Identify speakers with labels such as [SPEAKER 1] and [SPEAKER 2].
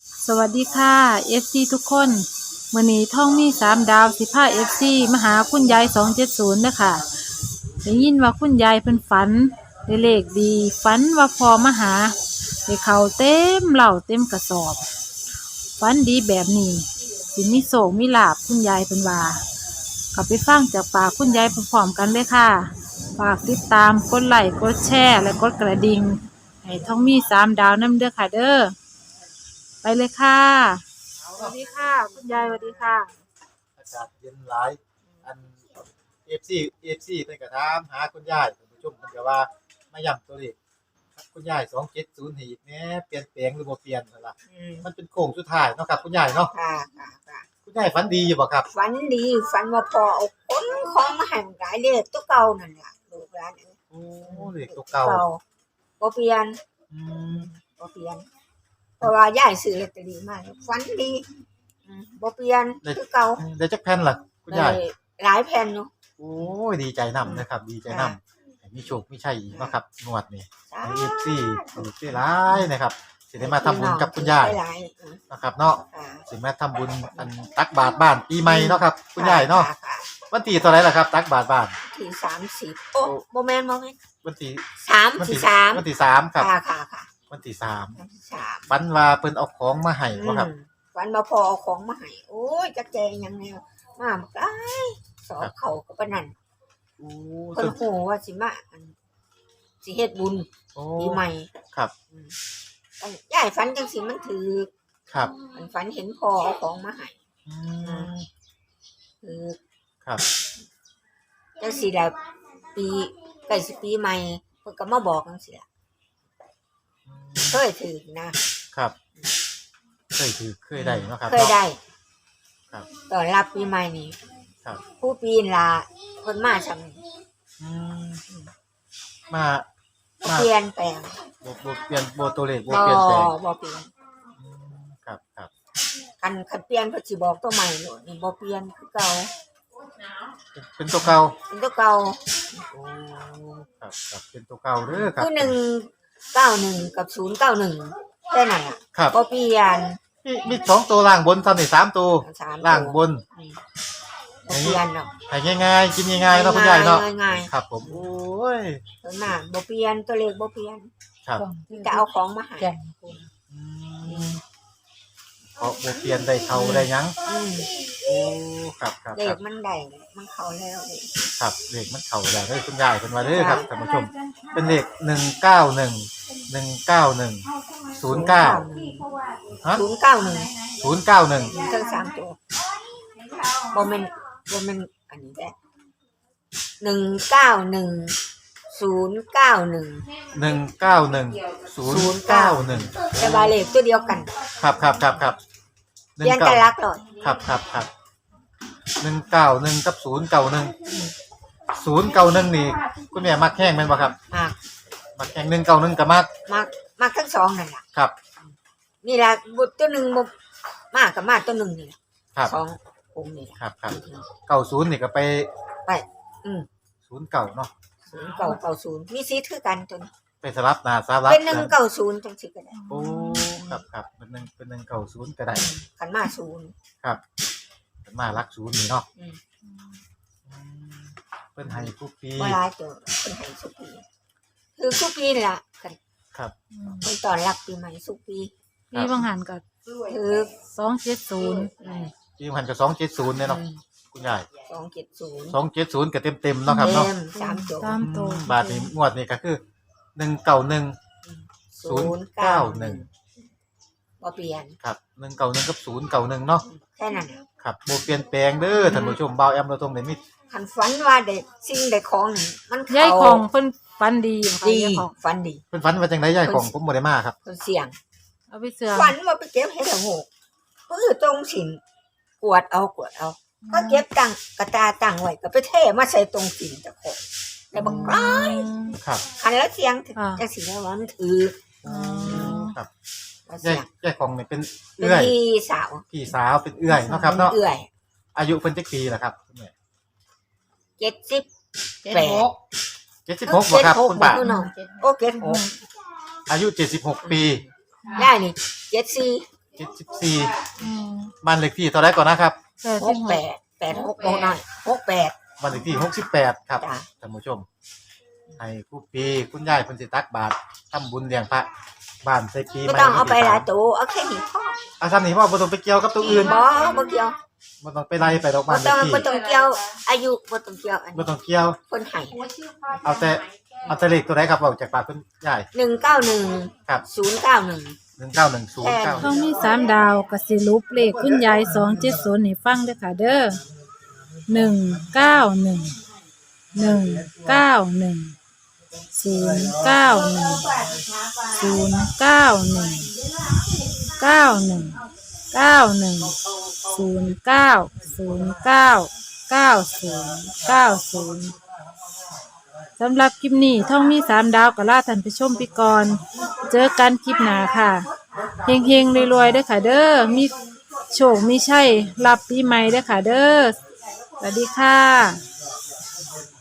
[SPEAKER 1] สวัสดีค่ะ FC ทุกคนมื้อนี้ท่องมี3 ดาวสิพา FC มาหาคุณยาย270เด้อค่ะได้ยินว่าคุณยายเพิ่นฝันได้เลขดีฝันว่าพอมาหาได้เข้าวเต็มเหล้าเต็มกระสอบฝันดีแบบนี้สิมีโศกมีลาภคุณยายเพิ่นว่ากลับไปฟังจากปากคุณยายพร้อมๆกันเลยค่ะฝากติดตามกดไลค์กดแชร์และกดกระดิ่งให้ท่องมี3 ดาวนำเด้อค่ะเด้อไปเลยค่ะสวัสดีค่ะคุณยายสวัสดีค่ะ
[SPEAKER 2] อากาศเย็นหลายอัน FC เพิ่นก็ถามหาคุณยายท่านผู้ชมเพิ่นก็ว่ามาย้ำตัวเลขครับคุณยาย270ให้อีกแหน่เปลี่ยนแปลงหรือบ่เปลี่ยนนั่นล่ะมันเป็นโค้งสุดท้ายเนาะครับคุณยายเนาะ
[SPEAKER 3] ค่ะ
[SPEAKER 2] คุณยายฝันดีอยู่บ่ครับ
[SPEAKER 3] ฝันดีฝันว่าพอเอาคนของมาให้มันขายเด้อตัวเก่านั่นล่ะลูกหลานเอ้ย
[SPEAKER 2] โอ้เลขตัวเก่า
[SPEAKER 3] บ่เปลี่ยน
[SPEAKER 2] อืม
[SPEAKER 3] บ่เปลี่ยนเพราะว่ายายซื้อลอตเตอรี่มาฝันดีบ่เปลี่ยนคือเก่า
[SPEAKER 2] ได้จักแผ่นล่ะคุณยาย
[SPEAKER 3] ได้หลายแผ่นอยู่
[SPEAKER 2] โอ้ยดีใจนำนะครับดีใจนำให้มีโชคมีชัยอีกเนาะครับงวดนี้ให้ FC ถูกหลายนะครับสิได้มาทำบุญกับคุณยาย
[SPEAKER 3] หลาย
[SPEAKER 2] นะครับเนาะ
[SPEAKER 3] ค่ะ
[SPEAKER 2] สิมาทำบุญอันตักบาตรบ้านปีใหม่เนาะครับคุณยายเนาะวันที่เท่าไหร่ล่ะครับตักบาตรบ้าน
[SPEAKER 3] ที่30โอ้บ่แม่น
[SPEAKER 2] วันที่
[SPEAKER 3] 3ที่3
[SPEAKER 2] วันที่3ครับ
[SPEAKER 3] ค่ะ
[SPEAKER 2] วันที่
[SPEAKER 3] วันที่3
[SPEAKER 2] ฝันว่าเพิ่นเอาของมาให้บ่ครับ
[SPEAKER 3] ฝันว่าพอเอาของมาให้โอ้ยจักแจหยังแนวมาบักหลายสอบเข้าก็ปานนั้น
[SPEAKER 2] โอ้
[SPEAKER 3] เพิ่นฮู้ว่าสิมาสิเฮ็ดบุญปีใหม่
[SPEAKER 2] ครับ
[SPEAKER 3] ยายฝันจังซี่มันถูก
[SPEAKER 2] ครับ
[SPEAKER 3] มันฝันเห็นพ่อเอาของมาให้คือ
[SPEAKER 2] ครับ
[SPEAKER 3] จังซี่ล่ะปีใกล้สิปีใหม่เพิ่นก็มาบอกจังซี่ล่ะเคยถูกนะครับ
[SPEAKER 2] เคยได้เนาะครับ
[SPEAKER 3] เคยได้
[SPEAKER 2] ครับ
[SPEAKER 3] ตอนรับปีใหม่นี่
[SPEAKER 2] ครับ
[SPEAKER 3] ผู้ปีนล่ะเพิ่นมาซำ
[SPEAKER 2] มา
[SPEAKER 3] เปลี่ยนแปลง
[SPEAKER 2] บ่เปลี่ยนบ่ตัวเลขบ่เปลี่ยนแปลง
[SPEAKER 3] บ่เปลี่ยน
[SPEAKER 2] ครับ
[SPEAKER 3] คันเปลี่ยนเพิ่นสิบอกตัวใหม่โลดนี่บ่เปลี่ยนคือเก่า
[SPEAKER 2] เป็นตัวเก่า
[SPEAKER 3] เป็นตัวเก่า
[SPEAKER 2] โอ้ครับเป็นตัวเก่าเด้อครับ
[SPEAKER 3] คือ191กับ091แค่นั้นน่ะบ่เปลี่ยน
[SPEAKER 2] มี2ตัวล่างบนซ้ำนี่3ตัวล่างบน
[SPEAKER 3] บ่เปลี่ยนเนาะ
[SPEAKER 2] ให้ง่ายๆกินง่ายๆเนาะคุณยายเนาะครับผมโอ้ย
[SPEAKER 3] ส่วนมากบ่เปลี่ยนตัวเลขบ่เปลี่ยน
[SPEAKER 2] ครับ
[SPEAKER 3] จะเอาของมาให้
[SPEAKER 2] เพราะบ่เปลี่ยนได้เข้าได้หยังโอ้ครับ
[SPEAKER 3] เลขมันได้มันเข้าแล้ว
[SPEAKER 2] ครับเลขมันเข้าแล้วเด้อคุณยายเพิ่นว่าเด้อครับท่านผู้ชมเป็นเลข191 191 09ฮะ091
[SPEAKER 3] ทั้ง3ตัวบ่แม่นอันนี้แหละ191 แต่ว่าเลขตัวเดียวกัน
[SPEAKER 2] ครับ
[SPEAKER 3] เรียนกันรักเลย
[SPEAKER 2] ครับ191กับ091นี่คุณแม่มักแห้งแม่นบ่ครับมักแห้ง191ก็
[SPEAKER 3] มักทั้งสองนั่นล่ะ
[SPEAKER 2] ครับ
[SPEAKER 3] นี่ล่ะบุตรตัวนึงบ่มากกับมากตัวนึงนี่ล่ะ
[SPEAKER 2] ครับ
[SPEAKER 3] 2องค์นี่
[SPEAKER 2] ครับ90นี่ก็ไป09เนาะ
[SPEAKER 3] 0990มีสิทธิ์คือกันตัวนี้
[SPEAKER 2] ไปสลับหน้าสลับ
[SPEAKER 3] เป็น190จังซี่ก็ได้
[SPEAKER 2] โอ้ครับเป็น190ก็ได้
[SPEAKER 3] คันมา0
[SPEAKER 2] ครับคันมารัก0นี่เนาะเพิ่นให้ทุกปี
[SPEAKER 3] บ่หลายตัวเพิ่นให้ทุกปีคือทุกปีล่ะ
[SPEAKER 2] ครับ
[SPEAKER 3] เพิ่นต้อนรับปีใหม่ทุกปี
[SPEAKER 1] ปีบางหันก็
[SPEAKER 3] คือ
[SPEAKER 1] 270
[SPEAKER 2] ปีมันก็270เนี่ยเนาะคุณยาย270ก็เต็มๆเนาะครับเนาะ
[SPEAKER 1] 3ตัว
[SPEAKER 2] บาทนี้งวดนี้ก็คือ191 091
[SPEAKER 3] บ่เปลี่ยน
[SPEAKER 2] ครับ191กับ091เนาะ
[SPEAKER 3] แค่นั้น
[SPEAKER 2] ครับบ่เปลี่ยนแปลงเด้อท่านผู้ชมบ่าวแอมเราตรงได้มี
[SPEAKER 3] คันฝันว่าได้สิ่งได้ของมัน
[SPEAKER 1] ยายของเพิ่นฝันดี
[SPEAKER 3] ฝันดี
[SPEAKER 2] เพิ่นฝันว่าจังได๋ยายของผมบ่ได้มาครับ
[SPEAKER 3] เพิ่นเสี่ยง
[SPEAKER 1] เอาไปเสื่อม
[SPEAKER 3] ฝันว่าไปเก็บเห็ดละโงกตรงสินกวดเอาก็เก็บกระตาตั้งไว้ก็ไปเทมาใส่ตรงสินเจ้าของได้บักหลาย
[SPEAKER 2] ครับ
[SPEAKER 3] คันแล้วเสียงจังสิแล้วมันถือ
[SPEAKER 2] ครับยายของนี่เป็นเอื้อยพี่สาวเป็นเอื้อยเนาะครับเนาะอายุเพิ่นจักปีล่ะครับคุณแม่76บ่ครับคุณป้า
[SPEAKER 3] โอ้76
[SPEAKER 2] อายุ76ปี
[SPEAKER 3] ได้นี่74
[SPEAKER 2] 74
[SPEAKER 1] อืม
[SPEAKER 2] บ้านเลขที่เท่าไรก่อนนะครับ
[SPEAKER 3] 68 86บ่น้อย68
[SPEAKER 2] บ้านเลขที่68ครับ
[SPEAKER 3] จ้ะ
[SPEAKER 2] ท่านผู้ชมให้ผู้ปีคุณยายเพิ่นสิตักบาตรทำบุญเลี้ยงพระบ้านใส่ปี
[SPEAKER 3] ไม่ต้องเอาไปหลายตัวเอาแค่นี้พอ
[SPEAKER 2] อาซ้ำนี่พ่อบ่ต้องไปเกี่ยวกับตัวอื่น
[SPEAKER 3] บ่เกี่ยว
[SPEAKER 2] บ่ต้องไปไล่ไปดอก
[SPEAKER 3] บ่
[SPEAKER 2] บ้านเล
[SPEAKER 3] ต้อ
[SPEAKER 2] ข
[SPEAKER 3] ง
[SPEAKER 2] ที่
[SPEAKER 3] บ่ต้องเกี่ยวอายุบ่ต้องเกี่ยวอัน
[SPEAKER 2] บ่ต้องเกี่ยว
[SPEAKER 3] คนให้
[SPEAKER 2] เอาแต่เลขตัวไหนครับออกจากปากคุณยาย
[SPEAKER 3] 191
[SPEAKER 2] ครับ
[SPEAKER 3] 091
[SPEAKER 2] 1910
[SPEAKER 1] ท้องมี3ดาวก็สิรุปเลขคุณยาย270ให้ฟังเด้อค่ะเด้อสำหรับคลิปนี้ท่องมี3ดาวก็ลาท่านผู้ชมไปก่อน เจอกันคลิปหน้าค่ะเฮงๆรวยๆเด้อค่ะเด้อมีโชคมีชัยรับปีใหม่เด้อค่ะเด้อสวัสดีค่ะ